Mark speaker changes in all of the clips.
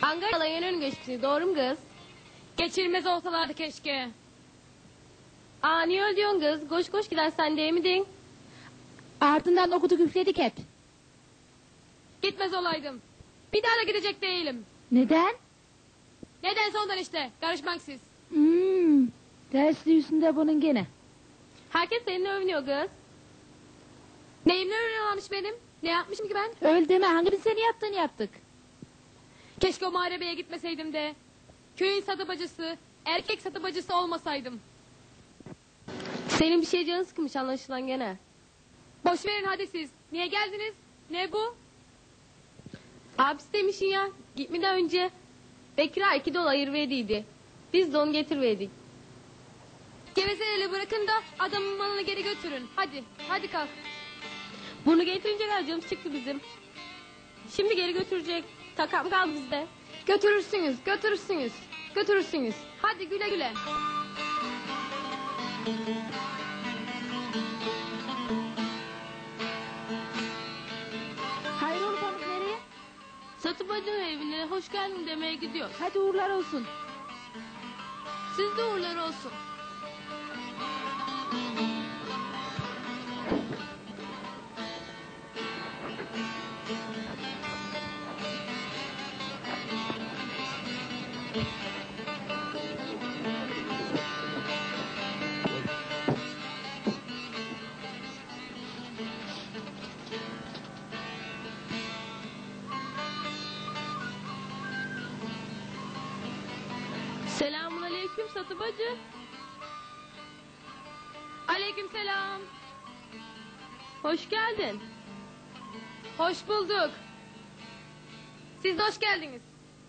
Speaker 1: Hangar alayın ön geçti, doğru mu kız?
Speaker 2: Geçirmez olsalardı keşke.
Speaker 1: Aa, niye öyle diyorsun kız? Koş koş gider sen değil miydin?
Speaker 3: Ardından okuduk üfledik hep.
Speaker 2: Gitmez olaydım. Bir daha da gidecek değilim.
Speaker 3: Neden?
Speaker 2: Neden sondan işte, karışmak siz.
Speaker 3: Dersli yüzünde bunun gene.
Speaker 1: Herkes seninle övünüyor kız.
Speaker 2: Neyimle öğreniyorlarmış benim? Ne yapmışım ki ben?
Speaker 3: Öyle deme, hangimiz seni yaptığını yaptık.
Speaker 2: Keşke o muharebeye gitmeseydim de. Köyün satıbacısı, erkek satıbacısı olmasaydım.
Speaker 1: Senin bir şey canın sıkmış anlaşılan gene.
Speaker 2: Boş verin hadi siz. Niye geldiniz? Ne bu?
Speaker 1: Abisi demişsin ya, gitmeden önce Bekir'a $2 ayırverdiydi. Biz de onu getirverdik.
Speaker 2: Gevezeliği bırakın da adamın malını geri götürün. Hadi, hadi kalk.
Speaker 1: Bunu getirince harcımız çıktı bizim. Şimdi geri götürecek. Takam kaldı bizde.
Speaker 2: Götürürsünüz, götürürsünüz, götürürsünüz. Hadi güle güle.
Speaker 3: Hayrola Pamuk, nereye?
Speaker 1: Satıbacının evine hoş geldin demeye gidiyoruz.
Speaker 3: Hadi uğurlar olsun.
Speaker 1: Siz de uğurlar olsun. Selamun aleyküm satıbacı.
Speaker 2: Aleykümselam.
Speaker 1: Hoş geldin.
Speaker 2: Hoş bulduk. Siz de hoş geldiniz.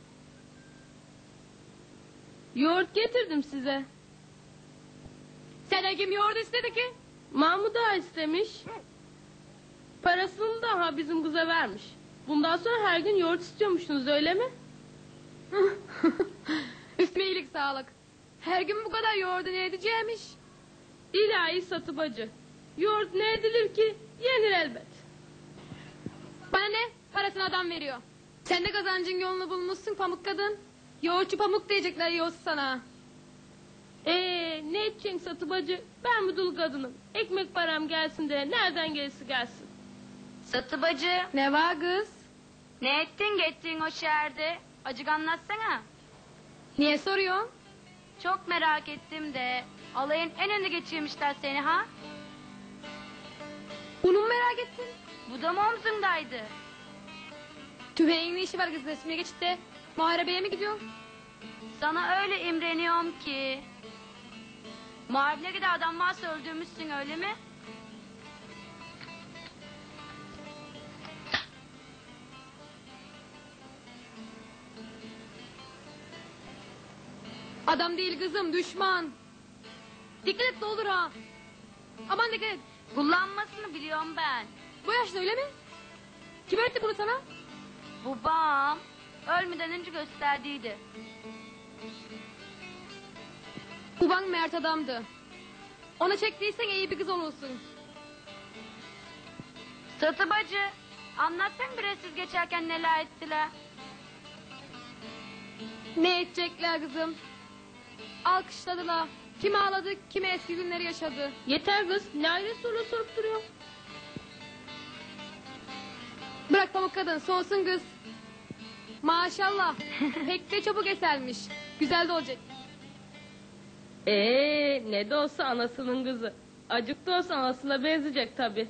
Speaker 1: Yoğurt getirdim size.
Speaker 2: Sen kim yoğurdu istedi ki?
Speaker 1: Mahmut Ağa istemiş. Parasını da bizim kıza vermiş. Bundan sonra her gün yoğurt istiyormuşsunuz, öyle mi?
Speaker 2: Üstüme iyilik sağlık. Her gün bu kadar yoğurdu ne edeceğimiş?
Speaker 1: İlahi satıbacı. Yoğurt ne edilir ki? Yenir elbet.
Speaker 2: Bana ne? Parasını adam veriyor. Sen de kazancın yolunu bulmuşsun pamuk kadın. Yoğurtçu pamuk diyecekler yoğursu sana.
Speaker 1: Ne edeceksin satıbacı? Ben bu dul kadınım. Ekmek param gelsin de nereden gelirse gelsin.
Speaker 4: Satıbacı,
Speaker 2: Ne var kız?
Speaker 4: ne ettin gittin o şehirde? Acık anlatsana.
Speaker 2: Niye soruyorsun?
Speaker 4: Çok merak ettim de. Alayın en önde geçirmişler seni ha?
Speaker 2: Bunu mu merak ettin?
Speaker 4: Bu da mı omzundaydı?
Speaker 2: Tüfeğin ne işi var kız resmiye geçit de? Muharebeye mi gidiyorsun?
Speaker 4: Sana öyle imreniyorum ki. Muharebe gibi adam varsa öldürmüşsün öyle mi?
Speaker 2: Adam değil kızım düşman. Dikkat et ne olur ha. Aman dikkat et.
Speaker 4: Kullanmasını biliyorum ben.
Speaker 2: Bu yaşta öyle mi? Kim öğretti bunu sana?
Speaker 4: Babam ölmeden önce gösterdiydi.
Speaker 2: Baban mert adamdı. Ona çektiysen iyi bir kız olursun.
Speaker 4: Satıbacı, anlatsan biraz siz geçerken neler ettiler.
Speaker 2: Ne edecekler kızım? Alkışladılar. Kim ağladı, kimi eski günleri yaşadı.
Speaker 1: Yeter kız. Ne ayrı soru sorup duruyor?
Speaker 2: Bırak pamuk kadın, soğusun kız. Maşallah, pek de çabuk esermiş. Güzel de olacak.
Speaker 1: Ne de olsa anasının kızı. Acık da olsa anasına benzeyecek tabi.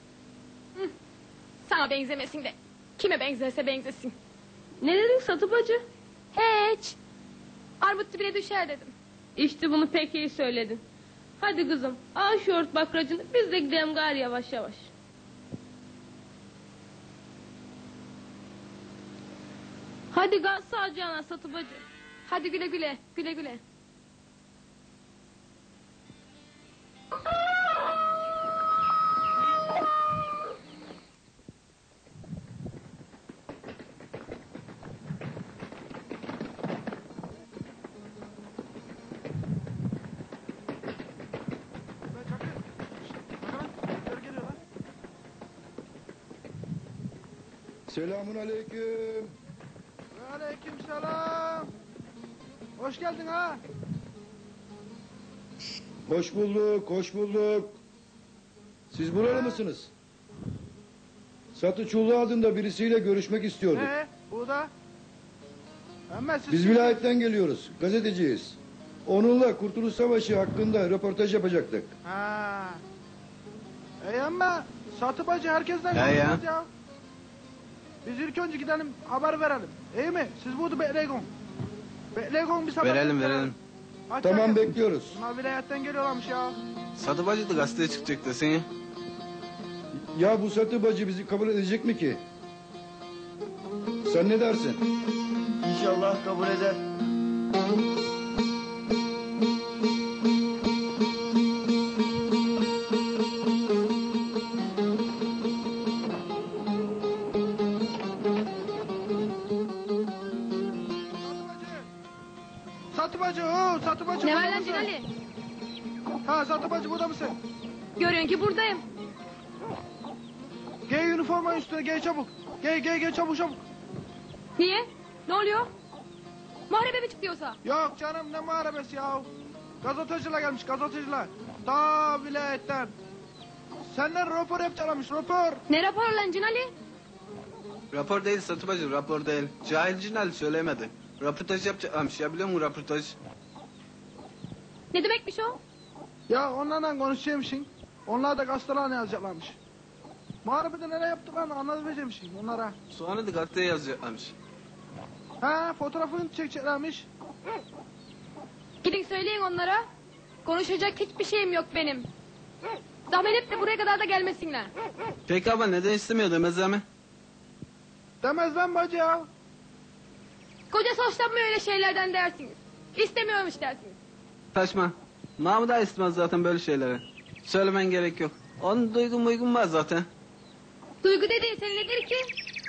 Speaker 2: Sana benzemesin de. Kime benzerse benzesin.
Speaker 1: Ne dedin satıbacı?
Speaker 2: Hiç. Armut dibine düşer dedim.
Speaker 1: İşte bunu pek iyi söyledin. Hadi kızım, al şu yoğurt bakracını, biz de gidelim gari yavaş yavaş. Hadi gaz sağcağına satıbacı.
Speaker 2: Hadi güle güle, güle güle.
Speaker 5: Selamun aleyküm. Aleykümselam. Hoş geldin ha.
Speaker 6: Hoş bulduk, hoş bulduk. Siz buralı mısınız? Satı Çullu adında birisiyle görüşmek istiyorduk.
Speaker 5: Bu da? Ama siz...
Speaker 6: Biz vilayetten geliyoruz, gazeteciyiz. Onunla Kurtuluş Savaşı hakkında röportaj yapacaktık.
Speaker 5: Ha. Ama Satı bacı herkesten
Speaker 7: Ya, ya.
Speaker 5: konuşmaz ya. Biz ilk önce gidelim haber verelim. İyi mi? Siz burada bekleyin. Bekleyin bir sabah.
Speaker 7: Verelim.
Speaker 5: Aç
Speaker 6: Tamam,
Speaker 5: bakayım.
Speaker 6: bekliyoruz.
Speaker 5: Bunlar vilayetten geliyorlarmış ya.
Speaker 7: Sadı bacı da gazeteye çıkacak desene.
Speaker 6: Ya bu Satı bacı bizi kabul edecek mi ki? Sen ne dersin?
Speaker 8: İnşallah kabul eder.
Speaker 5: Satı bacı, Satı bacı.
Speaker 2: Ne
Speaker 5: burada
Speaker 2: var lan
Speaker 5: mısın?
Speaker 2: Cinali?
Speaker 5: Ha Satı bacı burada mısın?
Speaker 2: Görüyorsun ki buradayım.
Speaker 5: Giy üniforma üstüne giy çabuk. Giy çabuk.
Speaker 2: Niye? Ne oluyor? Muharebe mi çıkıyorsa?
Speaker 5: Yok canım ne muharebesi ya. Gazeteciler gelmiş gazeteciler. Ta vilayetten. Senden rapor yapacaklarmış rapor.
Speaker 2: Ne rapor lan Cinali?
Speaker 7: Rapor değil Sadı bacı, rapor değil. Cahil Cinal söylemedi. Röportaj yapacaklarmış ya, biliyor musun röportaj?
Speaker 2: Ne demekmiş o?
Speaker 5: Ya onlarla konuşacakmışsın. Onlar da gazetelerine yazacaklarmış. Muharebede nereye yaptıklarını anlatabilecekmişsin onlara.
Speaker 7: Sonra da gazeteye yazacaklarmış.
Speaker 5: Ha fotoğrafını çekeceklermiş.
Speaker 2: Gidin söyleyin onlara. Konuşacak hiçbir şeyim yok benim. Zahmet et de buraya kadar da gelmesinler.
Speaker 7: Peki ama neden istemiyor demezler mi?
Speaker 5: Demez lan bacı ya.
Speaker 2: Kocası hoşlanmıyor öyle şeylerden dersiniz. İstemiyormuş dersiniz.
Speaker 7: Saçma. Mahmut da istemez zaten böyle şeyleri. Söylemen gerek yok. Onun duygun var zaten.
Speaker 2: Duygu dediğin senin nedir ki?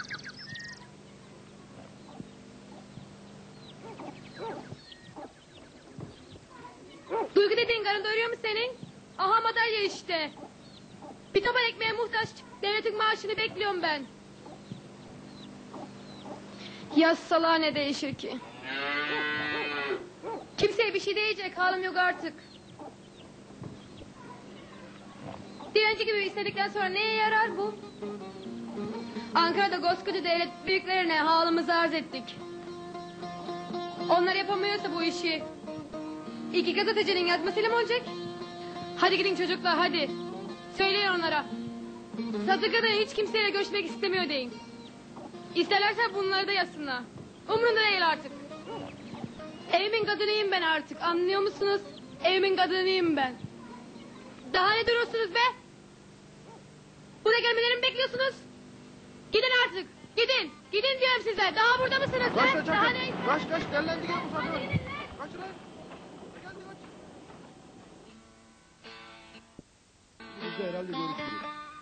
Speaker 2: Duygu dediğin karın doyuruyor mu senin? Aha madalya işte. Bir taban ekmeğe muhtaç. Devletin maaşını bekliyorum ben. Yazsalar ne değişir ki? Kimseye bir şey diyecek halim yok artık. Direnci gibi istedikten sonra neye yarar bu? Ankara'da koskoca devlet büyüklerine halımızı arz ettik. Onlar yapamıyorsa bu işi iki gazetecinin yazmasıyla mı olacak? Hadi gidin çocuklar hadi. Söyleyin onlara. Satı kadın hiç kimseyle görüşmek istemiyor deyin. İsterlerse bunları da yazsınlar. Umrunda değil artık. Evimin kadınıyım ben artık, anlıyor musunuz? Evimin kadınıyım ben. Daha ne durursunuz be? Buraya gelmelerimi bekliyorsunuz. Gidin artık, gidin. Gidin diyorum size. Daha burada mısınız
Speaker 5: Kaç
Speaker 2: be?
Speaker 5: kaç
Speaker 2: Daha
Speaker 5: kaç.
Speaker 2: ne?
Speaker 5: Kaç dellendi gel bu satı. Kaç lan. Geldi kaç.
Speaker 6: Biz de herhalde görüşürüz.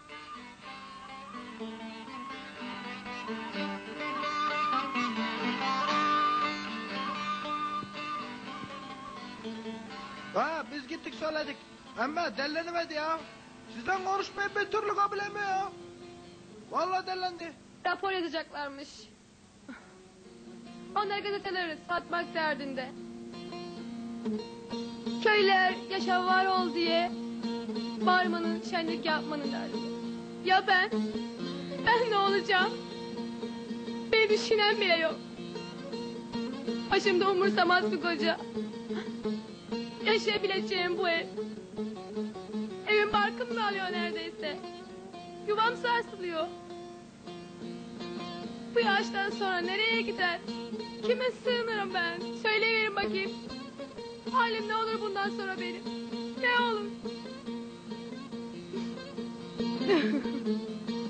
Speaker 5: Ha biz gittik söyledik. Ama dellenemedi ya. Sizden konuşmayı bir türlü kabul etmiyor ya. Vallahi dellendi.
Speaker 2: Rapor yazacaklarmış. Onlar gazeteleri satmak derdinde. Köyler yaşam var ol diye bağırmanın, şenlik yapmanın derdinde. Ya ben? Ben ne olacağım? Beni düşünen bile yok. Başımda umursamaz bir koca. Yaşayabileceğim bu ev. Evin barkımı alıyor neredeyse. Yuvam sarsılıyor. Bu yaştan sonra nereye gider? Kime sığınırım ben? Söyleyiverin bakayım. Halim ne olur bundan sonra benim? Ne olur?